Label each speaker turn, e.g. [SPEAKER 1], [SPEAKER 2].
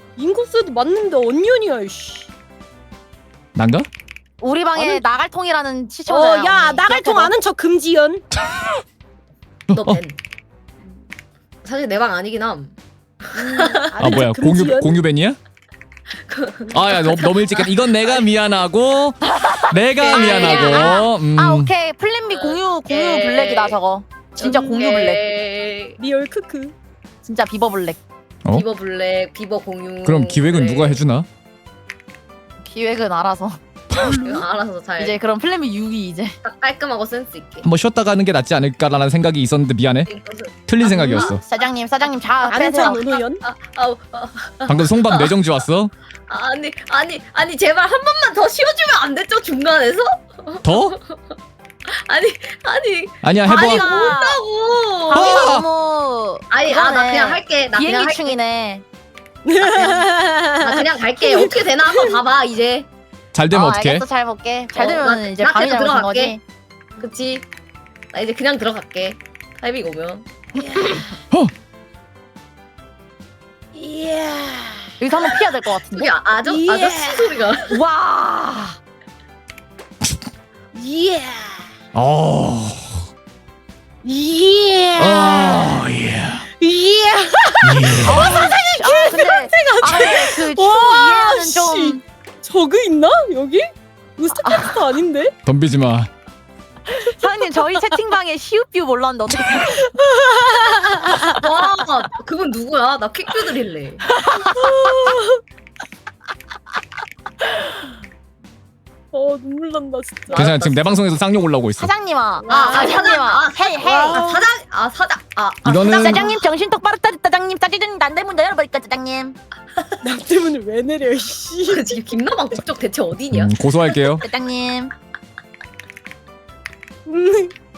[SPEAKER 1] 인코스도 맞는데 언년이야 씨.
[SPEAKER 2] 난가?
[SPEAKER 3] 우리 방에
[SPEAKER 1] 아니-
[SPEAKER 3] 나갈통이라는 시청자야.
[SPEAKER 1] 야 나갈통 아는 척 금지연.
[SPEAKER 4] 너 벤. 사실 내 방 아니긴 함.
[SPEAKER 2] 아 뭐야 공유벤이야? 아야 너무 일찍 했다. 이건 내가 미안하고 내가 미안하고.
[SPEAKER 3] 아 오케이 플랜 B 공유 블랙이다 저거. 진짜 공유 블랙.
[SPEAKER 1] 리얼 크크.
[SPEAKER 3] 진짜 비버 블랙.
[SPEAKER 2] 어?
[SPEAKER 4] 비버 블랙, 비버 공유.
[SPEAKER 2] 그럼 기획은 누가 해주나?
[SPEAKER 3] 기획은 알아서.
[SPEAKER 4] 이거 알아서 잘.
[SPEAKER 3] 이제 그럼 플랜 B 6이 이제.
[SPEAKER 4] 딱 깔끔하고 센스 있게.
[SPEAKER 2] 한번 쉬었다 가는 게 낫지 않을까라는 생각이 있었는데 미안해. 틀린 생각이었어.
[SPEAKER 3] 사장님 자
[SPEAKER 1] 아는
[SPEAKER 3] 빼세요.
[SPEAKER 1] 척 노노연.
[SPEAKER 2] 방금 송방 뇌정지 왔어?
[SPEAKER 4] 아니 제발 한 번만 더 쉬어주면 안 됐죠 중간에서?
[SPEAKER 2] 더? 아니야 해봐.
[SPEAKER 4] 아니 못하고.
[SPEAKER 3] 방이가 너무.
[SPEAKER 4] 나 그냥 할게. 나 그냥 할게.
[SPEAKER 3] 비행기충이네.
[SPEAKER 4] 나 그냥 갈게. 어떻게 되나 한번 봐봐 이제.
[SPEAKER 2] 잘 되면 어떡해?
[SPEAKER 3] 알겠어 잘 볼게. 잘
[SPEAKER 4] 어,
[SPEAKER 3] 되면
[SPEAKER 4] 나-
[SPEAKER 3] 이제
[SPEAKER 4] 나
[SPEAKER 3] 밤이
[SPEAKER 4] 그냥
[SPEAKER 3] 잘못한
[SPEAKER 4] 들어갈게.
[SPEAKER 3] 거지.
[SPEAKER 4] 그치? 나 이제 그냥 들어갈게. 타이밍 오면.
[SPEAKER 1] 이야.
[SPEAKER 3] 여기서 한번 피해야 될 것 같은데.
[SPEAKER 4] 여기 아저씨 소리가.
[SPEAKER 3] 와.
[SPEAKER 1] 이야.
[SPEAKER 2] 어.
[SPEAKER 1] 이야.
[SPEAKER 2] 예.
[SPEAKER 1] 이야.
[SPEAKER 3] 근데 그
[SPEAKER 1] 와,
[SPEAKER 3] 이해는
[SPEAKER 1] 씨.
[SPEAKER 3] 좀.
[SPEAKER 1] 저그 있나 여기? 스타캐스터 아닌데?
[SPEAKER 2] 덤비지 마.
[SPEAKER 3] 사장님 저희 채팅방에 시우뷰 몰랐는데 어떻게
[SPEAKER 4] 와 그분 누구야? 나 퀵뷰 드릴래.
[SPEAKER 1] 눈물 난다 진짜.
[SPEAKER 2] 괜찮아 지금 내 방송에서 쌍욕 올라오고 있어.
[SPEAKER 3] 사장님아
[SPEAKER 4] 사장님아.
[SPEAKER 3] 헤이
[SPEAKER 4] 사장.
[SPEAKER 2] 이거는
[SPEAKER 3] 사장님 정신 똑바로 따지 사장님 따지더니 난데 문 열어버릴까 사장님
[SPEAKER 1] 나 때문에 왜 내려 씨.
[SPEAKER 4] 지금 김나방 국적 대체 어디냐?
[SPEAKER 2] 고소할게요.
[SPEAKER 3] 사장님